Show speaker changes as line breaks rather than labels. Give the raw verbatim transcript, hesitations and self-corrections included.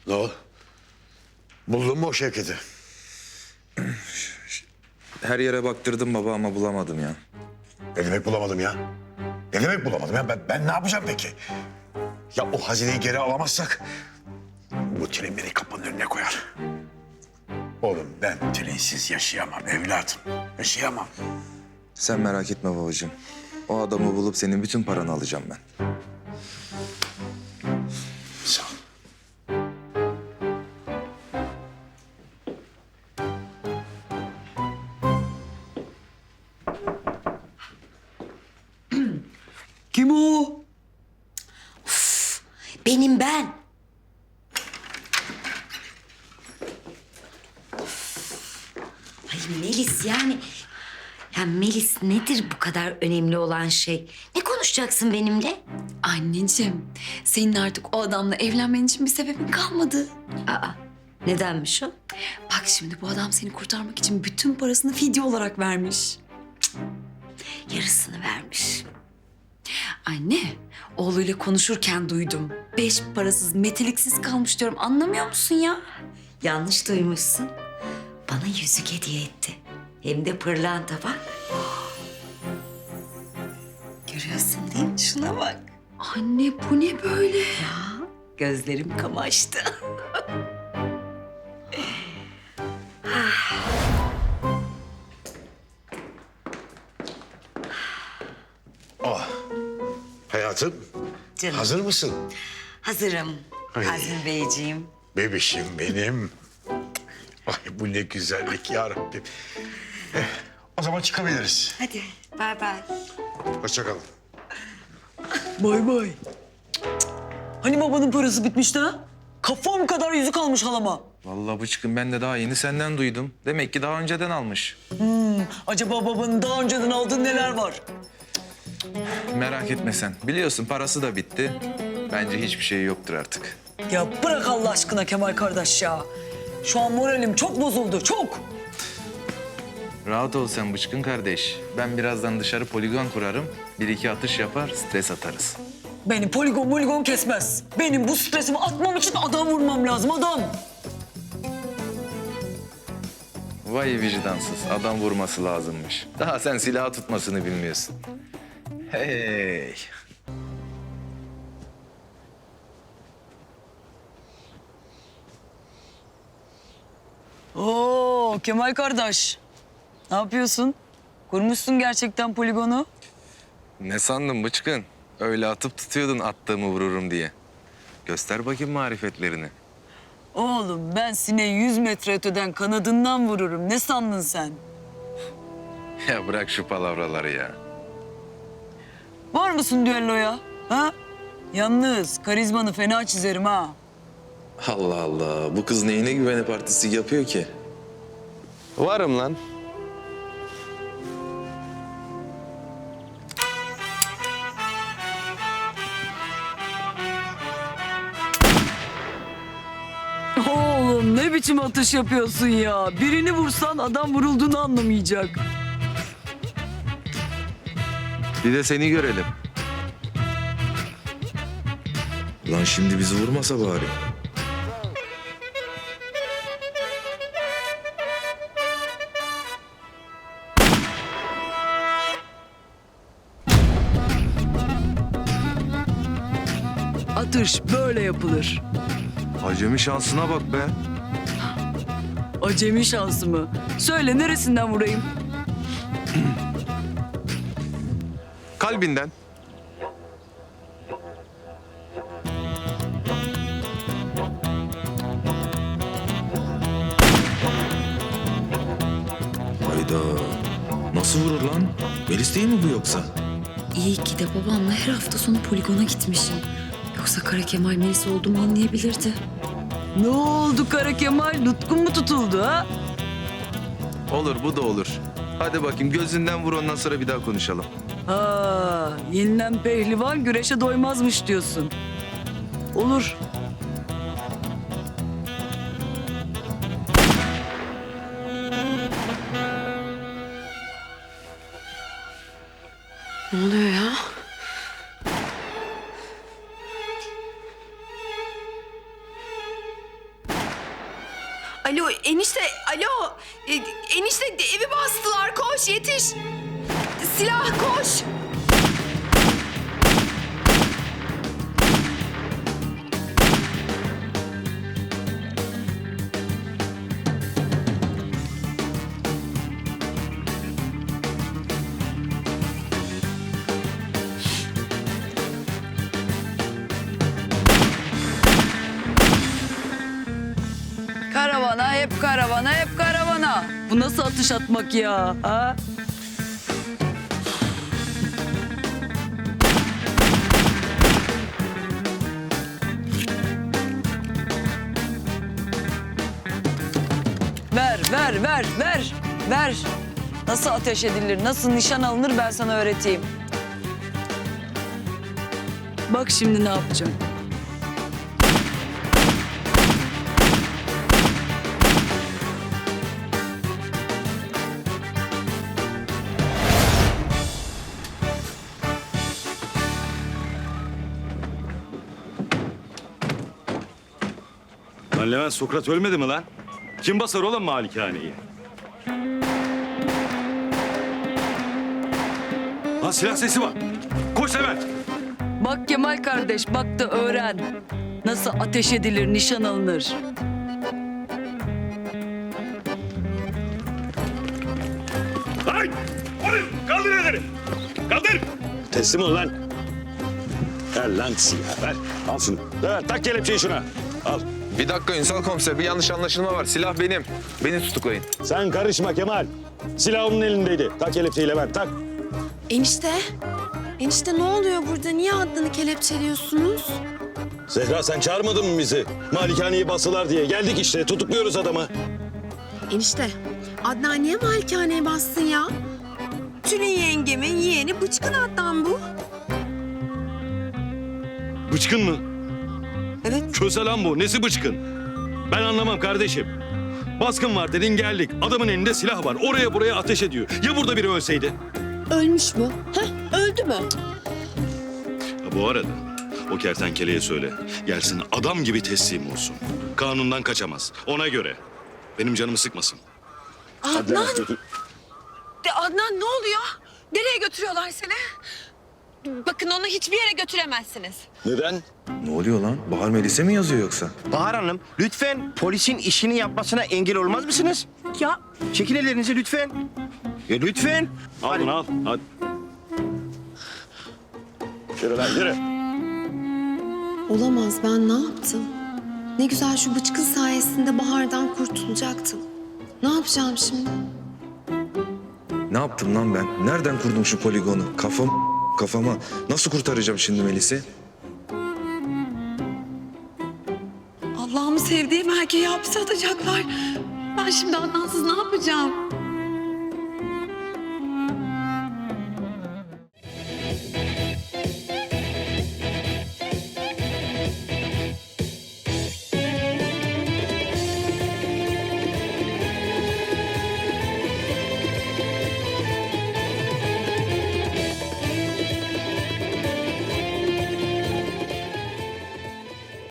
Ne o? Buldun mu o Şevket'i?
Her yere baktırdım baba ama bulamadım ya.
Ne demek bulamadım ya? Ne demek bulamadım ya? Ben, ben ne yapacağım peki? Ya o hazineyi geri alamazsak... ...bu tren beni kapının önüne koyar. Oğlum ben trensiz yaşayamam evladım. Yaşayamam.
Sen merak etme babacığım. O adamı bulup senin bütün paranı alacağım ben.
Sağ ol.
Kim o?
Benim ben. Ay Melis yani... Ya Melis nedir bu kadar önemli olan şey? Ne konuşacaksın benimle?
Anneciğim, senin artık o adamla evlenmen için bir sebebin kalmadı.
Aa, nedenmiş o?
Bak şimdi bu adam seni kurtarmak için bütün parasını fidye olarak vermiş.
Yarısını vermiş.
Anne, oğluyla konuşurken duydum. Beş parasız, meteliksiz kalmış diyorum. Anlamıyor musun ya?
Yanlış duymuşsun. Bana yüzük hediye etti. Hem de pırlanta bak. Görüyorsun değil mi? Şuna bak.
Anne bu ne böyle?
Ya gözlerim kamaştı.
Oh. Hayatım,
Canım.
hazır mısın?
Hazırım.
Ay.
Azmi Beyciğim.
Bebişim benim. Ay bu ne güzellik ya Rabbim. Eh, o zaman çıkabiliriz.
Hadi bay bay.
Hoşça kalın.
Bay bay. Hani babanın parası bitmişti ha? Kafam kadar yüzük almış halama.
Vallahi bıçkın ben de daha yeni senden duydum. Demek ki daha önceden almış.
Hmm, acaba babanın daha önceden aldığı neler var?
Merak etme sen. Biliyorsun parası da bitti. Bence hiçbir şey yoktur artık.
Ya bırak Allah aşkına Kemal kardeş ya. Şu an moralim çok bozuldu, çok.
Rahat ol sen bıçkın kardeş. Ben birazdan dışarı poligon kurarım. Bir iki atış yapar, stres atarız.
Beni poligon poligon kesmez. Benim bu stresimi atmam için adam vurmam lazım, adam.
Vay vicdansız. Adam vurması lazımmış. Daha sen silah tutmasını bilmiyorsun. Hey.
Oo Kemal kardeş. Ne yapıyorsun? Kurmuşsun gerçekten poligonu.
Ne sandın bıçkın? Öyle atıp tutuyordun attığımı vururum diye. Göster bakayım marifetlerini.
Oğlum ben sineği yüz metre öteden kanadından vururum. Ne sandın sen?
Ya bırak şu palavraları ya.
Var mısın düelloya? Ha? Yalnız karizmanı fena çizerim ha.
Allah Allah. Bu kız neyine güvenip artistlik yapıyor ki? Varım lan.
Oğlum ne biçim atış yapıyorsun ya? Birini vursan adam vurulduğunu anlamayacak.
Bir de seni görelim. Lan şimdi bizi vurmasa bari.
Atış böyle yapılır.
Acemi şansına bak be.
Acemi şansı mı? Söyle neresinden vurayım?
Kalbinden. Hayda. Nasıl vurur lan? Melis değil mi bu yoksa?
İyi ki de babamla her hafta sonu poligona gitmişim. Yoksa Kara Kemal Melis olduğumu anlayabilirdi.
Ne oldu Kara Kemal? Nutkun mu tutuldu ha?
Olur bu da olur. Hadi bakayım gözünden vur ondan sonra bir daha konuşalım.
Ha, yenilen pehlivan güreşe doymazmış diyorsun. Olur.
Ne oluyor ya?
enişte alo. E, enişte evi bastılar, koş yetiş. Silah koş.
Karavana, hep karavana, hep karavana. Bu nasıl atış atmak ya? Ha? Ver, ver, ver, ver, ver. Nasıl ateş edilir, nasıl nişan alınır ben sana öğreteyim. Bak şimdi ne yapacağım.
Lan Levent, Sokrat ölmedi mi lan? Kim basar oğlum malikaneyi? Lan silah sesi var. Koş Levent.
Bak Kemal kardeş, bak da öğren. Nasıl ateş edilir, nişan alınır.
Ay! Oğlum, kaldır elleri. Kaldır. Teslim ol lan. Ver lan silahı, ver. Al şunu. Levent, tak kelepçeyi şuna. Al.
Bir dakika Ünsal komiser, bir yanlış anlaşılma var. Silah benim. Beni tutuklayın.
Sen karışma Kemal. Silah onun elindeydi. Tak kelepçeyi Levent, tak.
Enişte. Enişte ne oluyor burada? Niye Adnan'ı kelepçeliyorsunuz?
Zehra, sen çağırmadın mı bizi? Malikaneyi basılar diye. Geldik işte, tutukluyoruz adamı.
Enişte, Adnan niye malikaneye bassın ya? Tülin yengemin yeğeni bıçkın Adnan bu.
Bıçkın mı?
Evet.
Köse lan bu. Nesi bıçkın? Ben anlamam kardeşim. Baskın var dedin, geldik. Adamın elinde silah var. Oraya buraya ateş ediyor. Ya burada biri ölseydi?
Ölmüş mü? Heh, öldü mü?
Ha, bu arada o kertenkeleye söyle. Gelsin adam gibi teslim olsun. Kanundan kaçamaz. Ona göre. Benim canımı sıkmasın.
Adnan! De Adnan ne oluyor? Nereye götürüyorlar seni? Bakın onu hiçbir yere götüremezsiniz.
Neden?
Ne oluyor lan? Bahar Melis'e mi yazıyor yoksa?
Bahar Hanım, lütfen polisin işini yapmasına engel olmaz mısınız?
Ya
Çekin ellerinizi lütfen. Ya lütfen.
Al bunu al. Hadi. Yürü lan yürü.
olamaz, ben ne yaptım? Ne güzel şu bıçkın sayesinde Bahar'dan kurtulacaktım. Ne yapacağım şimdi?
Ne yaptım lan ben? Nereden kurdum şu poligonu? Kafam kafama. Nasıl kurtaracağım şimdi Melis'i?
Allah'ımı sevdiğim erkeği hapse atacaklar. Ben şimdi Adnansız ne yapacağım?